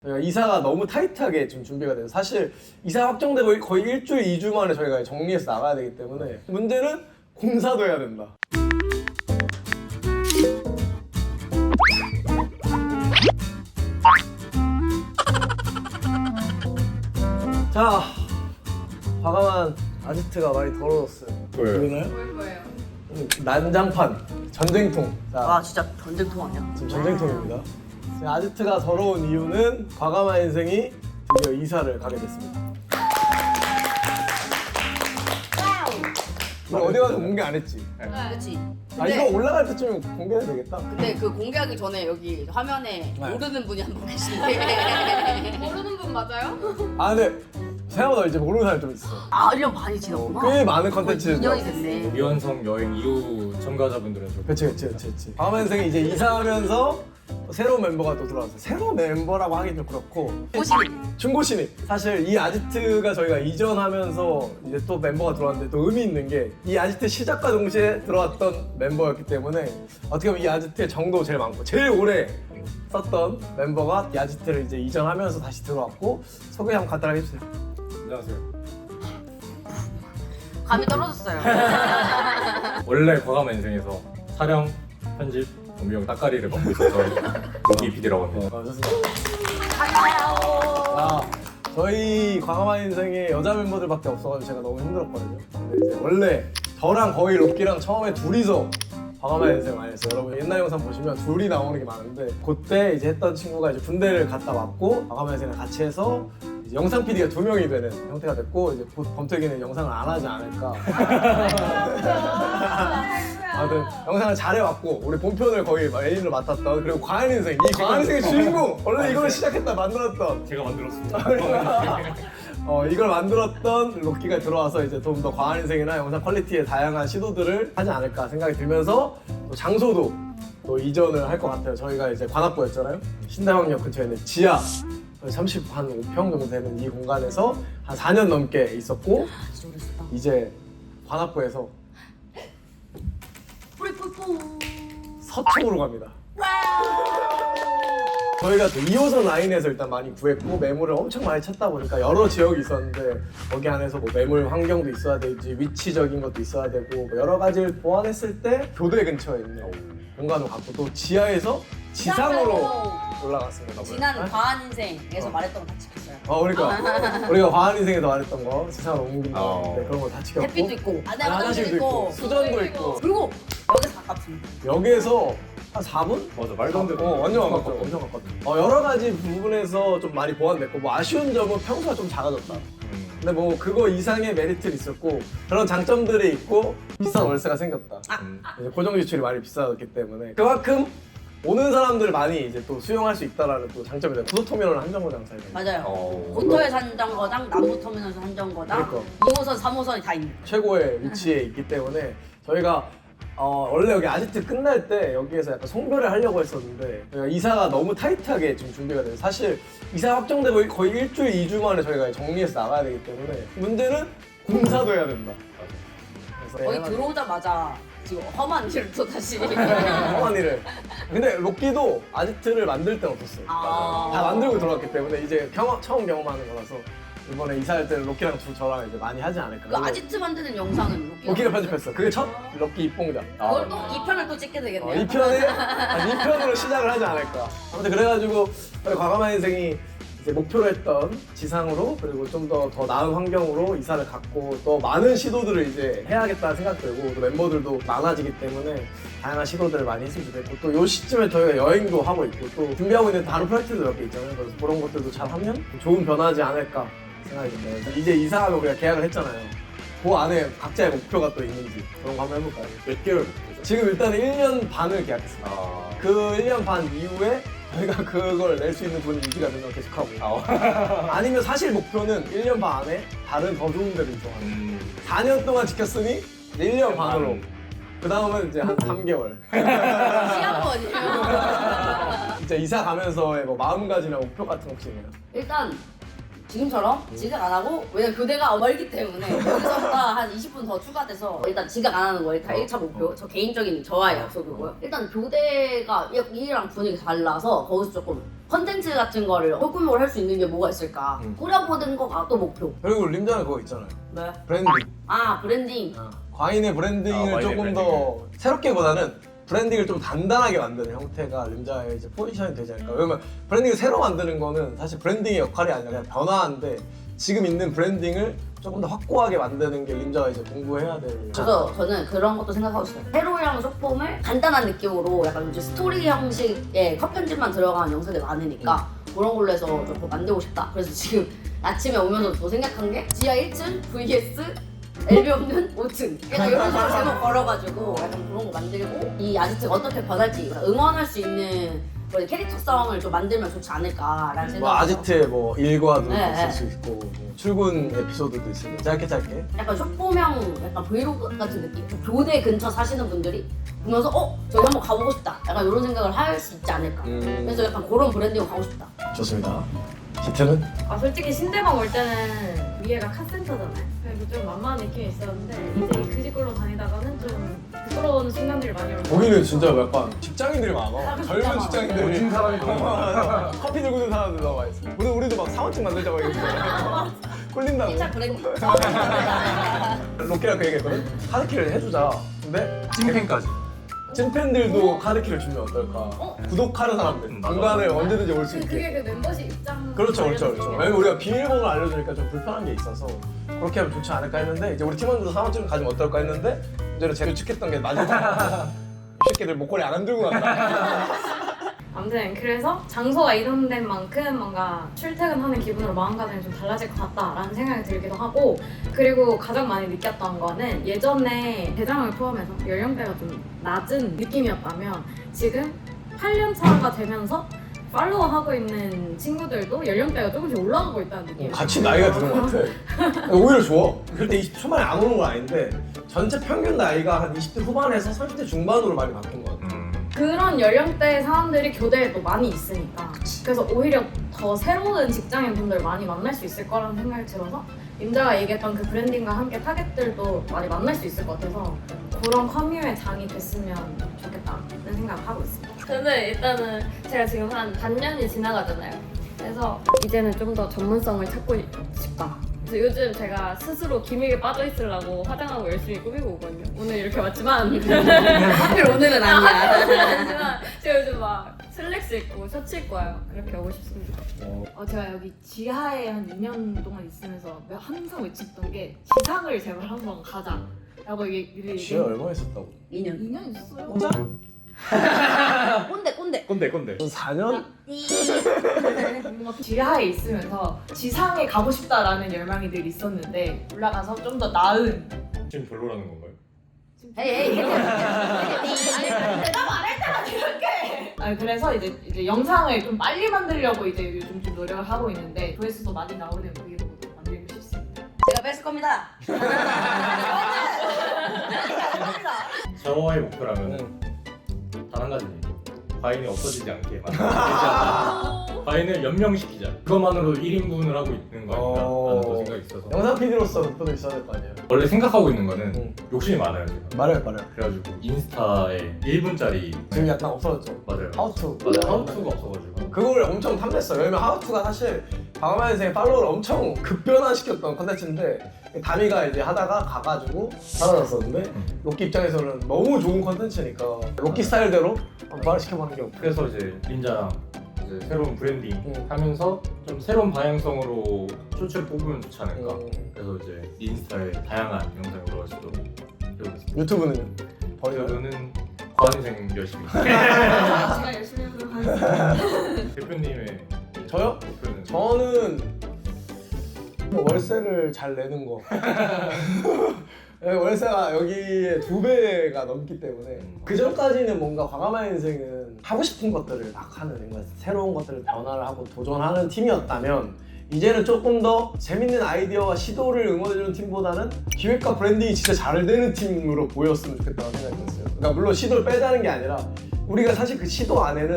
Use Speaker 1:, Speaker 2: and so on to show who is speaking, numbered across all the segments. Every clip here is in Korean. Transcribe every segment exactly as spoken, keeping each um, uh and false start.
Speaker 1: 저희가 이사가 너무 타이트하게 좀 준비가 돼요. 사실 이사 확정되고 거의 일주일, 이 주 만에 저희가 정리해서 나가야 되기 때문에 문제는 공사도 해야 된다. 자, 과감한 아지트가 많이 더러웠어요.
Speaker 2: 왜요?
Speaker 1: 보이나요?
Speaker 3: 뭘 거예요?
Speaker 1: 난장판, 전쟁통. 자,
Speaker 4: 와 진짜 전쟁통 아니야?
Speaker 1: 지금 전쟁통입니다. 지금 아지트가 더러운 이유는 과감한 인생이 드디어 이사를 가게 됐습니다. 우리 어디 가서 공개 안 했지?
Speaker 4: 그렇지.
Speaker 1: 아 이거 올라갈 때쯤 공개해도 되겠다.
Speaker 4: 근데 그 공개하기 전에 여기 화면에
Speaker 1: 네.
Speaker 4: 모르는 분이 한 분 계신데
Speaker 3: 모르는 분 맞아요?
Speaker 1: 아 근데 생각보다 이제 모르는 사람이 좀 있어.
Speaker 4: 아 일 년 반이 지났구나.
Speaker 1: 꽤 많은
Speaker 4: 거의
Speaker 1: 컨텐츠를
Speaker 4: 이 년이 됐네.
Speaker 2: 미완성 여행 이후 참가자분들은 좀
Speaker 1: 그치 그치 그치 그치. 과감한 인생이 이제 이사하면서 또 새로운 멤버가 또 들어왔어요. 새로운 멤버라고 하긴 좀 그렇고
Speaker 4: 호신이
Speaker 1: 중고 신입. 사실 이 아지트가 저희가 이전하면서 이제 또 멤버가 들어왔는데 또 의미 있는 게 이 아지트 시작과 동시에 들어왔던 멤버였기 때문에 어떻게 보면 이 아지트의 정도 제일 많고 제일 오래 썼던 멤버가 이 아지트를 이제 이전하면서 다시 들어왔고 소개 한번 간단하게 해주세요.
Speaker 2: 안녕하세요.
Speaker 4: 감이 떨어졌어요.
Speaker 2: 원래 과감한 인생에서 촬영, 편집, 음영, 따까리를 맡고 있었던 로기 피디라고 합니다.
Speaker 1: 어, 좋습니다. 아, 저희 과감한 인생에 여자 멤버들밖에 없어가지고 제가 너무 힘들었거든요. 근데 이제 원래 저랑 거의 로끼랑 처음에 둘이서 과감한 인생 많이 했어요. 여러분 옛날 영상 보시면 둘이 나오는 게 많은데 그때 이제 했던 친구가 이제 군대를 갔다 왔고 과감한 인생을 같이 해서 이제 영상 피디가 두 명이 되는 형태가 됐고 이제 곧 범태기는 영상을 안 하지 않을까. 아무튼 영상을 잘해왔고 우리 본편을 거의 메인으로 맡았던 그리고 과한 인생 이 과한 인생의 주인공 원래 이걸 시작했다 만들었던
Speaker 2: 제가 만들었습니다.
Speaker 1: 어, 이걸 만들었던 로끼가 들어와서 이제 좀 더 과한 인생이나 영상 퀄리티의 다양한 시도들을 하지 않을까 생각이 들면서 또 장소도 또 이전을 할 것 같아요. 저희가 이제 관악구였잖아요. 신당역 근처에 있는 지하 삼십오 평 정도 되는 이 공간에서 한 사 년 넘게 있었고
Speaker 4: 진짜 오래됐다.
Speaker 1: 이제 관악구에서
Speaker 4: 뿌리뿌리뿌.
Speaker 1: 서쪽으로 갑니다. 저희가 또 이 호선 라인에서 일단 많이 구했고 매물을 엄청 많이 찾다 보니까 여러 지역이 있었는데 거기 안에서 뭐 매물 환경도 있어야 되지 위치적인 것도 있어야 되고 뭐 여러 가지를 보완했을 때 교대 근처에 있는 공간을 갖고 또 지하에서 지상으로 올라갔습니다.
Speaker 4: 지난
Speaker 1: 네?
Speaker 4: 과한 인생에서 말했던 거 다 지켰어요.
Speaker 1: 어 그러니까 우리가 과한 인생에서 말했던 거 지상으로 옮긴다
Speaker 2: 어.
Speaker 1: 네, 그런 거 다 지켰고
Speaker 4: 햇빛도 있고 안에
Speaker 1: 아니, 화장실도 있고 수전도 있고
Speaker 4: 그리고 여기서 가깝습니다.
Speaker 1: 여기에서 한 사 분?
Speaker 2: 맞아, 말도 안 되는.
Speaker 1: 어, 완전 가깝죠. 완전 가깝죠. 어, 여러 가지 부분에서 좀 많이 보완됐고 뭐 아쉬운 점은 평소가 좀 작아졌다.
Speaker 2: 음.
Speaker 1: 근데 뭐 그거 이상의 메리트는 있었고 그런 장점들이 있고 비싼 월세가 생겼다.
Speaker 2: 음.
Speaker 1: 이제 고정 지출이 많이 비싸졌기 때문에 그만큼 오는 사람들을 많이 이제 또 수용할 수 있다라는 또 장점이 돼요. 구도터미널은 한정거장 사이에.
Speaker 4: 맞아요.
Speaker 2: 어.
Speaker 4: 고터에서 한정거장, 남부터미널에서 한정거장,
Speaker 1: 그러니까.
Speaker 4: 이 호선, 삼 호선이 다 있는.
Speaker 1: 최고의 위치에 있기 때문에 저희가 어, 원래 여기 아지트 끝날 때 여기에서 약간 송별을 하려고 했었는데 저희가 이사가 너무 타이트하게 지금 준비가 돼요. 사실 이사 확정되고 거의 일주일, 이 주 만에 저희가 정리해서 나가야 되기 때문에 문제는 공사도 해야 된다. 그래서
Speaker 4: 거의
Speaker 1: 해가지고
Speaker 4: 들어오자마자 지금 험한 일을 또 다시.
Speaker 1: 험한 일을. 근데 로끼도 아지트를 만들 땐 없었어요.
Speaker 4: 아.
Speaker 1: 다 만들고 들어왔기 때문에 이제 경험, 처음 경험하는 거라서 이번에 이사할 때는 로끼랑 두 저랑 이제 많이 하지 않을까.
Speaker 4: 그 아지트 만드는 영상은 로끼가
Speaker 1: 로끼가 편집했어. 그게 첫 로끼 입봉작.
Speaker 4: 그걸 또 이 편을 또 찍게
Speaker 1: 어,
Speaker 4: 되겠네요.
Speaker 1: 이 편에 아, 이 편으로 시작을 하지 않을까. 아무튼 그래가지고 저희 과감한 인생이 이제 목표로 했던 지상으로 그리고 좀 더 더 나은 환경으로 이사를 갔고 또 많은 시도들을 이제 해야겠다는 생각 들고 또 멤버들도 많아지기 때문에 다양한 시도들을 많이 했으면 좋겠고 또 요 시점에 저희가 여행도 하고 있고 또 준비하고 있는 다른 프로젝트도 몇 개 있잖아요. 그래서 그런 것들도 잘 하면 좋은 변화지 않을까 생각이 듭니다. 그래서 이제 이사하고 우리가 계약을 했잖아요. 그 안에 각자의 목표가 또 있는지 그런 거 한번 해볼까요?
Speaker 2: 몇 개월 목표죠?
Speaker 1: 지금 일단은 일 년 반을 계약했습니다.
Speaker 2: 아.
Speaker 1: 그 일 년 반 이후에 저희가 그걸 낼 수 있는 돈이 유지가 되면 계속하고
Speaker 2: 아.
Speaker 1: 아니면 사실 목표는 일 년 반 안에 다른 더 좋은 데를 이동하는
Speaker 2: 음.
Speaker 1: 사 년 동안 지켰으니 일 년 반으로 그 다음은 이제 한 삼 개월
Speaker 4: 시한번이에요.
Speaker 1: 진짜 이사 가면서의 뭐 마음가짐이나 목표 같은 거 혹시 있나요?
Speaker 4: 일단 지금처럼 지각 안 하고 왜냐면 교대가 멀기 때문에 여기서부터 한 이십 분 더 추가돼서 일단 지각 안 하는 거 일단 일 차 목표. 저 개인적인 저와의 약속이고요. 일단 교대가 이랑 분위기 달라서 거기서 조금 컨텐츠 같은 거를 소규모로 할 수 있는 게 뭐가 있을까
Speaker 1: 음.
Speaker 4: 꾸려보는 거가 또 목표.
Speaker 1: 그리고 림자는 그거 있잖아요.
Speaker 4: 네.
Speaker 1: 브랜딩.
Speaker 4: 아 브랜딩.
Speaker 1: 과인의 브랜딩을
Speaker 2: 아, 과인의
Speaker 1: 조금 더 새롭게보다는 브랜딩을 좀 단단하게 만드는 형태가 림자의 이제 포지션이 되지 않을까. 왜냐면 브랜딩을 새로 만드는 거는 사실 브랜딩의 역할이 아니라 그냥 변화인데 지금 있는 브랜딩을 조금 더 확고하게 만드는 게 림자가 이제 공부해야 될.
Speaker 4: 그래서 저는 그런 것도 생각하고 있어요. 세로랑 쇼폼을 간단한 느낌으로 약간 이제 스토리 형식의 컷 편집만 들어간 영상들이 많으니까 그런 걸로 해서 좀 만들고 싶다. 그래서 지금 아침에 오면서 또 생각한 게 지하 일 층 vs 엘비 없는 오 층 약간 이런 식으로 제목 걸어가지고 약간 그런 거 만들고 이 아지트가 어떻게 변할지 응원할 수 있는 뭐 캐릭터성을 좀 만들면 좋지 않을까라는 생각이
Speaker 1: 뭐 아지트의 뭐 일과도
Speaker 4: 네,
Speaker 1: 있을
Speaker 4: 네.
Speaker 1: 수 있고 뭐 출근 에피소드도 있으니까 짧게 짧게.
Speaker 4: 약간 쇼폼형 약간 브이로그 같은 느낌? 교대 근처 사시는 분들이 보면서 어? 저기 한번 가보고 싶다 약간 이런 생각을 할 수 있지 않을까
Speaker 1: 음.
Speaker 4: 그래서 약간 그런 브랜딩으로 가고 싶다.
Speaker 1: 좋습니다. 지트는?
Speaker 3: 아 솔직히 신대방 올 때는 위에가 카센터잖아요. 그래서 좀 만만한 느낌이 있었는데 이제 그 집으로 다니다가는 좀 부끄러운 순간들이 많이 오고.
Speaker 1: 거기는 진짜 약간 직장인들이 많아.
Speaker 4: 사람
Speaker 1: 젊은
Speaker 4: 진짜
Speaker 1: 직장인들이.
Speaker 2: 모진 사람이 너무
Speaker 1: 많아. 커피 들고 있는 사람들 나와 있어. 우리 우리도 막 사원증 만들자고 얘기했어. 꿀린다고.
Speaker 4: 진짜 브랜딩.
Speaker 1: 로키랑 그 얘기했거든. 카드키를 해주자. 근데
Speaker 2: 찐팬까지.
Speaker 1: 찐팬들도 카드키를 주면 어떨까?
Speaker 4: 어?
Speaker 1: 구독하는 사람들.
Speaker 2: 음, 맞아.
Speaker 1: 공간에 언제든지 올 수
Speaker 3: 그-
Speaker 1: 있게.
Speaker 3: 그게 그 멤버십 입장.
Speaker 1: 그렇죠, 그렇죠, 그렇죠.
Speaker 3: 관련된
Speaker 1: 왜냐면 우리가 비밀번호를 알려주니까 좀 불편한 게 있어서 그렇게 하면 좋지 않을까 했는데 이제 우리 팀원들도 사원증 가지면 어떨까 했는데 문제는 제일 축했던 게 마지막 이 새끼들 목걸이 안 들고 간다.
Speaker 3: 아무튼 그래서 장소가 이동된 만큼 뭔가 출퇴근하는 기분으로 마음가짐이 좀 달라질 것 같다라는 생각이 들기도 하고 그리고 가장 많이 느꼈던 거는 예전에 대장을 포함해서 연령대가 좀 낮은 느낌이었다면 지금 팔 년 차가 되면서 팔로우하고 있는 친구들도 연령대가 조금씩 올라가고 있다는 느낌이
Speaker 1: 같이 나이가 드는 것 같아. 오히려 좋아. 그때 이십 대 초반에 안 오는 건 아닌데 전체 평균 나이가 한 이십 대 후반에서 삼십 대 중반으로 많이 바뀐 것 같아.
Speaker 2: 음.
Speaker 3: 그런 연령대의 사람들이 교대에 또 많이 있으니까 그래서 오히려 더 새로운 직장인 분들 많이 만날 수 있을 거라는 생각이 들어서 임자가 얘기했던 그 브랜딩과 함께 타겟들도 많이 만날 수 있을 것 같아서 그런 커뮤의 장이 됐으면 좋겠다는 생각을 하고 있습니다.
Speaker 5: 저는 일단은 제가 지금 한 반년이 지나가잖아요. 그래서 이제는 좀 더 전문성을 찾고 싶다. 그래서 요즘 제가 스스로 기믹에 빠져 있으려고 화장하고 열심히 꾸미고 오거든요. 오늘 이렇게 왔지만
Speaker 4: 하필 오늘은 아니야.
Speaker 5: 하지만 제가 요즘 막 슬랙스 입고 셔츠 입고 와요. 그렇게 오고 싶습니다.
Speaker 3: 어, 제가 여기 지하에 한 이 년 동안 있으면서 항상 외쳤던 게 지상을 제발 한번 가자 라고 얘기를
Speaker 1: 지혜 얼마 있었다고?
Speaker 4: 이 년.
Speaker 3: 이 년 있었어요?
Speaker 1: 혼자?
Speaker 4: 꼰대 꼰대.
Speaker 2: 꼰대 꼰대.
Speaker 1: 사 년?
Speaker 3: 뭔가 지하에 있으면서 지상에 가고 싶다라는 열망이 늘 있었는데 올라가서 좀 더 나은
Speaker 2: 지금 별로라는 건가요?
Speaker 4: 에이 에이 이렇게.
Speaker 3: 아 그래서 이제 이제 영상을 좀 빨리 만들려고 이제 요즘 좀 노력을 하고 있는데 조회수도 많이 나오는 브이로그도 만들고 싶습니다.
Speaker 4: 제가 뺏을 겁니다.
Speaker 2: 저의 목표라면은 단 한 가지 얘기. 과인이 없어지지 않게 만들자. 과인을 연명시키자. 그것만으로도 일 인분을 하고 있는 거 아닌가 라는 또 생각이 있어서
Speaker 1: 영상 피디로서 목표도 있어야 될 거 아니에요?
Speaker 2: 원래 생각하고 있는 거는
Speaker 1: 응.
Speaker 2: 욕심이 많아요 제가.
Speaker 1: 말해요, 말해요.
Speaker 2: 그래가지고 인스타에 일 분짜리
Speaker 1: 지금 약간 없어졌죠.
Speaker 2: 맞아요.
Speaker 1: 하우투.
Speaker 2: 맞아요. 하우투가 없어가지고
Speaker 1: 그걸 엄청 탐냈어요. 왜냐면 하우투가 사실 방어만 인생의 팔로우를 엄청 급변화시켰던 컨텐츠인데 다미가 이제 하다가 가가지고 사라졌었는데 로키 입장에서는 너무 좋은 컨텐츠니까 로키 스타일대로 한번 부활시켜보는 게 없고.
Speaker 2: 그래서 이제 린자랑 이제 새로운 브랜딩
Speaker 1: 응.
Speaker 2: 하면서 좀 새로운 방향성으로 쇼츠를 뽑으면 좋지 않을까.
Speaker 1: 음,
Speaker 2: 그래서 이제 인스타에 다양한 영상이 올라갈 수 있도록 해보겠습니다.
Speaker 1: 유튜브는요? 버리나요?
Speaker 2: 저는 과학생 열심히.
Speaker 3: 제가 열심히 하도록 하겠습니다.
Speaker 2: 대표님의
Speaker 1: 저요?
Speaker 2: 목표는
Speaker 1: 저는 뭐 월세를 잘 내는 거. 월세가 여기에 두 배가 넘기 때문에 그 전까지는 뭔가 과감한 인생은 하고 싶은 것들을 막 하는 뭔가 새로운 것들을 변화를 하고 도전하는 팀이었다면 이제는 조금 더 재밌는 아이디어와 시도를 응원해주는 팀보다는 기획과 브랜딩이 진짜 잘 되는 팀으로 보였으면 좋겠다는 생각이 들었어요. 그러니까 물론 시도를 빼자는 게 아니라 우리가 사실 그 시도 안에는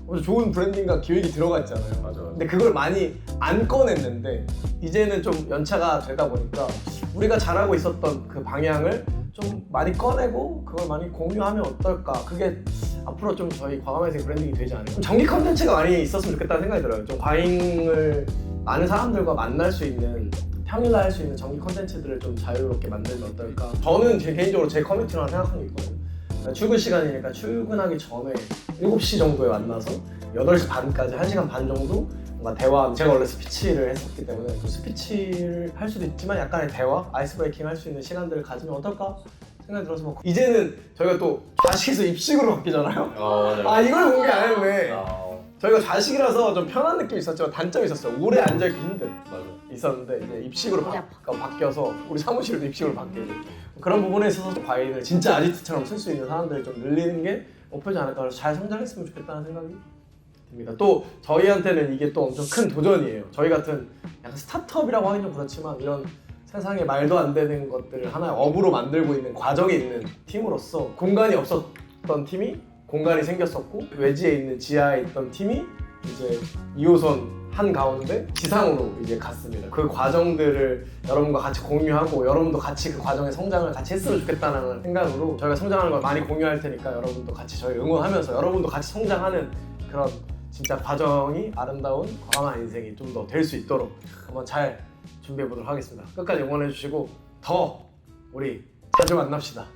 Speaker 1: 아주 좋은 브랜딩과 기획이 들어가 있잖아요.
Speaker 2: 맞아, 맞아.
Speaker 1: 근데 그걸 많이 안 꺼냈는데 이제는 좀 연차가 되다 보니까 우리가 잘하고 있었던 그 방향을 좀 많이 꺼내고 그걸 많이 공유하면 어떨까. 그게 앞으로 좀 저희 과감한 인생 브랜딩이 되지 않을까. 좀 정기 컨텐츠가 많이 있었으면 좋겠다는 생각이 들어요. 좀 과잉을 많은 사람들과 만날 수 있는, 평일날 할 수 있는 정기 컨텐츠들을 좀 자유롭게 만들면 어떨까. 저는 제 개인적으로 제 커뮤니티라고 생각하는 게 있거든요. 그러니까 출근 시간이니까 출근하기 전에 일곱 시 정도에 만나서 여덟 시 반까지 한 시간 반 정도 뭔가 대화, 제가 원래 스피치를 했었기 때문에 그 스피치를 할 수도 있지만 약간의 대화, 아이스 브레이킹 할 수 있는 시간들을 가지면 어떨까 생각이 들어서 뭐 이제는 저희가 또 좌식에서 입식으로 바뀌잖아요.
Speaker 2: 어, 맞아.
Speaker 1: 아 이걸 공개 안 했네.
Speaker 2: 어,
Speaker 1: 저희가 좌식이라서 좀 편한 느낌이 있었지만 단점이 있었어요. 오래 앉아있기 힘든
Speaker 2: 맞아.
Speaker 1: 있었는데 이제 입식으로
Speaker 4: 머리
Speaker 1: 바, 바뀌어서 우리 사무실도 입식으로 바뀌고 그런 부분에 있어서 과잉을 진짜 아지트처럼 쓸 수 있는 사람들을 좀 늘리는 게 목표지 않을까. 그래서 잘 성장했으면 좋겠다는 생각이 듭니다. 또 저희한테는 이게 또 엄청 큰 도전이에요. 저희 같은 약간 스타트업이라고 하긴 좀 그렇지만 이런 세상에 말도 안 되는 것들을 하나의 업으로 만들고 있는 과정에 있는 팀으로서 공간이 없었던 팀이 공간이 생겼었고 외지에 있는 지하에 있던 팀이 이제 이 호선 한 가운데 지상으로 이제 갔습니다. 그 과정들을 여러분과 같이 공유하고 여러분도 같이 그 과정의 성장을 같이 했으면 좋겠다는 생각으로 저희가 성장하는 걸 많이 공유할 테니까 여러분도 같이 저희 응원하면서 여러분도 같이 성장하는 그런 진짜 과정이 아름다운 과감한 인생이 좀 더 될 수 있도록 한번 잘 준비해 보도록 하겠습니다. 끝까지 응원해 주시고 더 우리 자주 만납시다.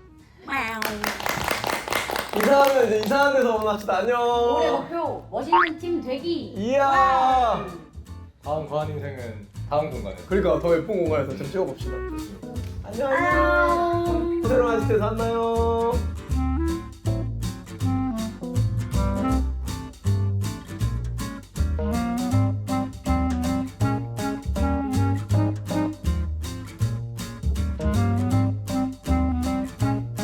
Speaker 1: 이사하면 이제 이사한 데서 만납시다. 안녕.
Speaker 4: 올해 목표 멋있는 팀 되기.
Speaker 1: 이야.
Speaker 2: 다음 과한 인생은 다음 공간에.
Speaker 1: 그러니까 더 예쁜 공간에서 좀 찍어봅시다. 안녕. 안녕. 그대로 마시트에서 만나요.